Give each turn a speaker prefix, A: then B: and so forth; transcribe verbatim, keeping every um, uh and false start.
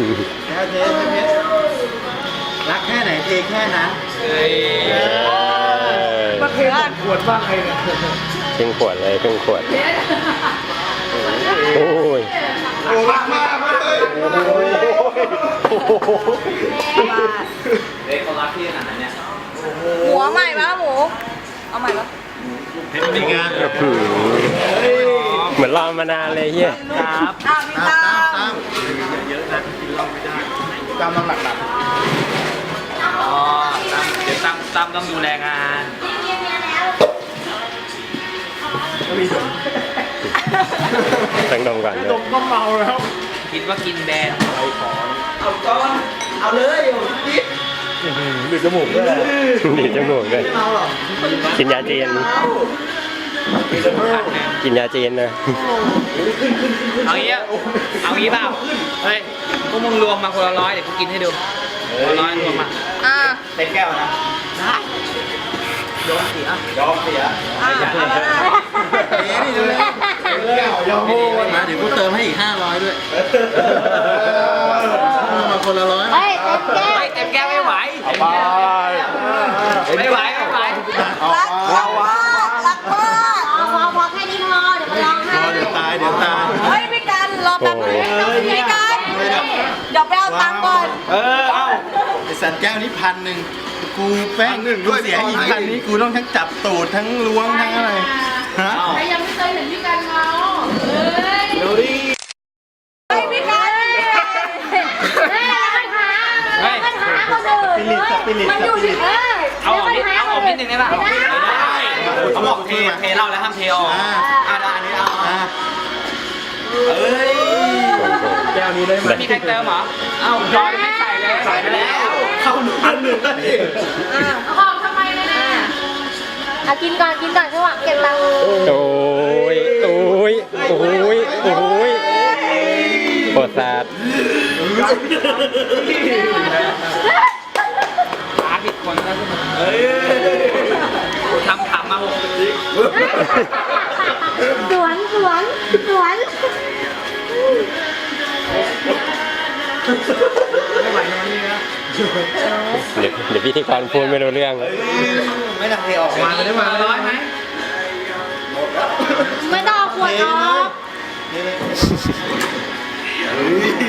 A: แล้วเทใช่ไหมรักแค่ไหนเทแค่นั้น
B: มาเทขวดบ้างไงเนี่ย
C: ครึ่งขวดเลยครึ่งขวดโอ้ย
A: โอ้รักมากเลยโอ้โห
D: เฮ้ยเขารักพี่ขนาดนั้นเนี่ย
B: หมูเอาใหม่ปะหมูเอาใหม่ปะ
A: เห็นเป็นงาน
C: เหมือนรอมานานเลยเฮีย
D: ครับ
B: อ้าวพี่
A: ตา
B: ตาม
A: ตามเยอะนะกินเหล้าไม่ได้ตามน้ำหนักหนัก
D: อ๋อตั้มเดี๋ยวตั้มตั้มต้องดูแลงาน
C: ต้องดมก่อนเลย
A: ดมก็เมาแล้ว
D: คิดว่ากินแบน
A: เอาก้อนเอาเลยดิดูจมูกด้วย
C: ดีดจมูกด้วย
A: เมาหรอ
C: กินยาจีนกินยาจีนนะ
D: เอางี้เอางี้เปล่าเฮ้ยพวกมึงรวมมาคนละร้อยเดี๋ยวกูกินให้ดูคนละร้อยรวมมา
B: อ่า
A: เต็มแก้วนะ
D: ได้ยอมเสีย
A: ยอมเสีย
B: อ่าเอามาได้
A: เอ๊ะนี่ดูเลยแก้วยอมโอนมาเดี๋ยวกูเติมให้อีกห้าร้อยด้วยมาคนละร้อย
B: เฮ้ยเต็มแก้ว
D: เฮ้ยเต็มแก้วไม่ไหวไม่ไหวไม่ไหว
B: รักรักมากรักมากเอาพอพอแค่นี้พอเดี๋ยวมาลองให้
A: เดี๋ยวตายเดี๋ยวตาย
B: เฮ้ยพี่กันรอแป๊บนึงพี่กันเดี๋ยวไปเอาตังค์ก่อน
A: เออเอาไอสัตว์แก้วนี้พันหนึ่งกูแป้งหนึ่งด้วยเสียอีกพันนี้กูต้องทั้งจับตูดทั้งล้วงทั้งอะไรฮะ
B: ใครยังไม่เคยเห็นพี่กันเมาเฮ้ย
A: เดี๋ยวดิ
B: เฮ้ยพี่กันเฮ้ยปัญหา
D: เฮ้ย
B: ปัญหาคนอื่นมันอยู่ที่เฮ้ย
D: เอาออกนิดเอาออกนิดนึงได้ป่ะได้เขาบอกเทเทเหล้าแล้วห้ามเทออกอ่าได้อันนี้เอา
A: อ่ะ
D: เอ้ย
A: แก้วนี้ได้ไหม
D: ไม่มีใครเติมเหรอเอ้าจอยไม่ใส่เลยใส่ไปแล้ว
A: เข้าหนึ่งพันหนึ่งแล้วดิ
B: เอาของทำไมเนี่ยเอากินก่อนกินก่อนใช่ไหมเก็บตังค์
C: โอ้ยโอ้ยโอ้ยโอ้ยปวดสัตว์
D: หาผิดคนแล้วเฮ้ยทำขำมาหกปี
B: สวนสวนสวน
D: ไม่ไหวนะนี่นะ
C: เดี๋ยวเดี๋ยวพิธีกรพูดไม่รู้เรื่อง
A: ไม่ต้องเทออกมาไม่ได้มา
D: ร้อยไหม
B: ไม่ต้องเอาขวดออก
A: นี่เลย